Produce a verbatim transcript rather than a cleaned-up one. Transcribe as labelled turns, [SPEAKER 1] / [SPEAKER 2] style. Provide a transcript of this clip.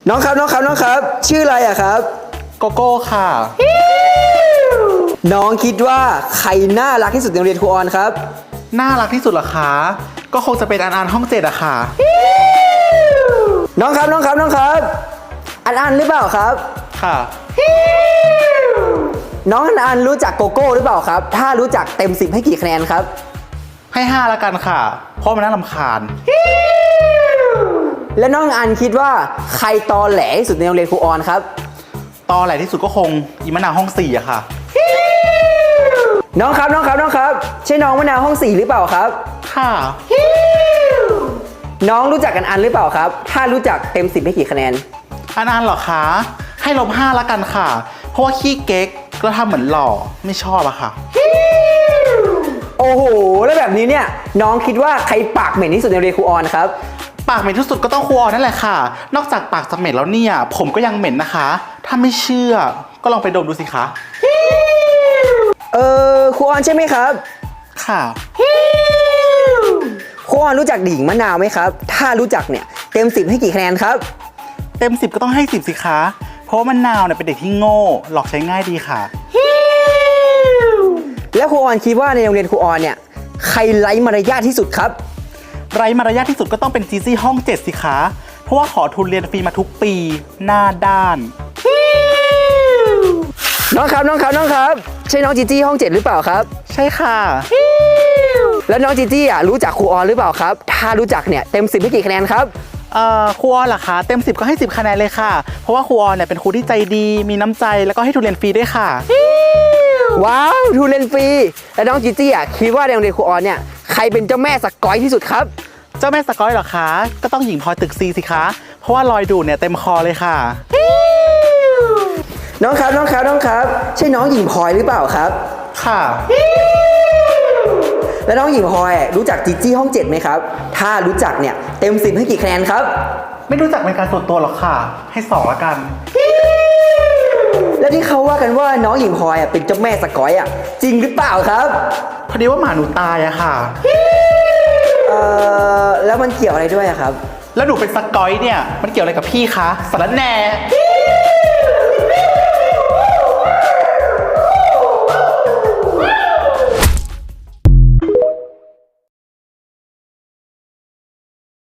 [SPEAKER 1] น้องครับน้องครับน้องครับชื่ออะไรอะครับ
[SPEAKER 2] โกโก้ค่ะ
[SPEAKER 1] น้องคิดว่าใครน่ารักที่สุดในโรงเรียนครูออนครับ
[SPEAKER 2] น่ารักที่สุดเหรอคะก็คงจะเป็นอันอันห้องเจ็ดอะค่ะ
[SPEAKER 1] น้องครับน้องครับน้องครับอันอันหรือเปล่าครับ
[SPEAKER 2] ค่ะ
[SPEAKER 1] น้องอันอันรู้จักโกโก้หรือเปล่าครับถ้ารู้จักเต็มสิบให้กี่คะแนนครับ
[SPEAKER 2] ให้ห้าละกันค่ะเพราะมันน่ารำคาญ
[SPEAKER 1] และน้องอันคิดว่าใครตอแหลที่สุดในโรงเรียนครูออนครับ
[SPEAKER 2] ตอแหลที่สุดก็คงอีมะนาวห้องสี่อะค่ะ
[SPEAKER 1] น้องครับน้องครับน้องครับใช่น้องมะนาวห้องสี่หรือเปล่าครับ
[SPEAKER 2] ค่ะ
[SPEAKER 1] น้องรู้จักกันอันหรือเปล่าครับถ้ารู้จักเต็มสิบให้กี่คะแนน
[SPEAKER 2] อันอันเหรอคะให้ลบห้าละกันค่ะเพราะว่าขี้เก๊กแล้วทำเหมือนหล่อไม่ชอบอะค่ะ
[SPEAKER 1] โอ้โหแล้วแบบนี้เนี่ยน้องคิดว่าใครปากเหม็นที่สุดในโรงเรียนครูออนครับ
[SPEAKER 2] ปากเหม็นที่สุดก็ต้องครูออนนั่นแหละค่ะนอกจากปากจะเหม็นแล้วเนี่ยผมก็ยังเหม็นนะคะถ้าไม่เชื่อก็ลองไปดมดูสิคะ
[SPEAKER 1] เออครูออนใช่ไหมครับ
[SPEAKER 2] ค่ะ
[SPEAKER 1] ครูออนรู้จักดิ่งมะนาวไหมครับถ้ารู้จักเนี่ยเต็มสิบให้กี่คะแนนครับ
[SPEAKER 2] เต็มสิบก็ต้องให้สิบสิคะเพราะว่ามะนาวเนี่ยเป็นเด็กที่โง่หลอกใช้ง่ายดีค่ะ
[SPEAKER 1] แล้วครูออนคิดว่าในโรงเรียนครูออนเนี่ยใครไร้มารยาทที่สุดครับ
[SPEAKER 2] ไร้มารยาทที่สุดก็ต้องเป็นจีจี้ห้องเจ็ดสิคะเพราะว่าขอทุนเรียนฟรีมาทุกปีหน้าด้าน
[SPEAKER 1] น้องครับน้องครับน้องครับใช่น้องจีจี้ห้องเจ็ดหรือเปล่าครับ
[SPEAKER 2] ใช่ค่ะ
[SPEAKER 1] แล้วน้องจีจี้อ่ะรู้จักครูออนหรือเปล่าครับถ้ารู้จักเนี่ยเต็มสิบให้กี่คะแนนครับ
[SPEAKER 2] เอ่อครูออนเหรอคะเต็มสิบก็ให้สิบคะแนนเลยค่ะเพราะว่าครูออนเนี่ยเป็นครูที่ใจดีมีน้ำใจแล้วก็ให้ทุนเรียนฟรีด้วยค่ะ
[SPEAKER 1] ว้าวทุนเรียนฟรีแล้วน้องจีจี้อ่ะคิดว่าในโรงเรียนครูออนเนี่ยใครเป็นเจ้าแม่สกอยที่สุดครับ
[SPEAKER 2] เจ้าแม่สกอยเหรอคะก็ต้องหญิงพลอยตึกซีสิคะเพราะว่ารอยดูดเนี่ยเต็มคอเลยค่ะ
[SPEAKER 1] น้องครับน้องครับน้องครับใช่น้องหญิงพลอยหรือเปล่าครับ
[SPEAKER 2] ค่ะ
[SPEAKER 1] แล้วน้องหญิงพลอยรู้จักจีจี้ห้องเจ็ดไหมครับถ้ารู้จักเนี่ยเต็มสิบให้กี่คะแนนครับ
[SPEAKER 2] ไม่รู้จักเป็นการส่วนตัวหรอกค่ะให้สองละกัน
[SPEAKER 1] แล้วที่เขาว่ากันว่าน้องหญิงพลอยอ่ะเป็นเจ้าแม่สกอยอ่ะจริงหรือเปล่าครับ
[SPEAKER 2] พอดีว่าหมาหนูตายอะค่ะ
[SPEAKER 1] เอ่อแล้วมันเกี่ยวอะไรด้วยอะครับ
[SPEAKER 2] แล้วหนูเป็นสกอยเนี่ยมันเกี่ยวอะไรกับพี่คะสารแหน่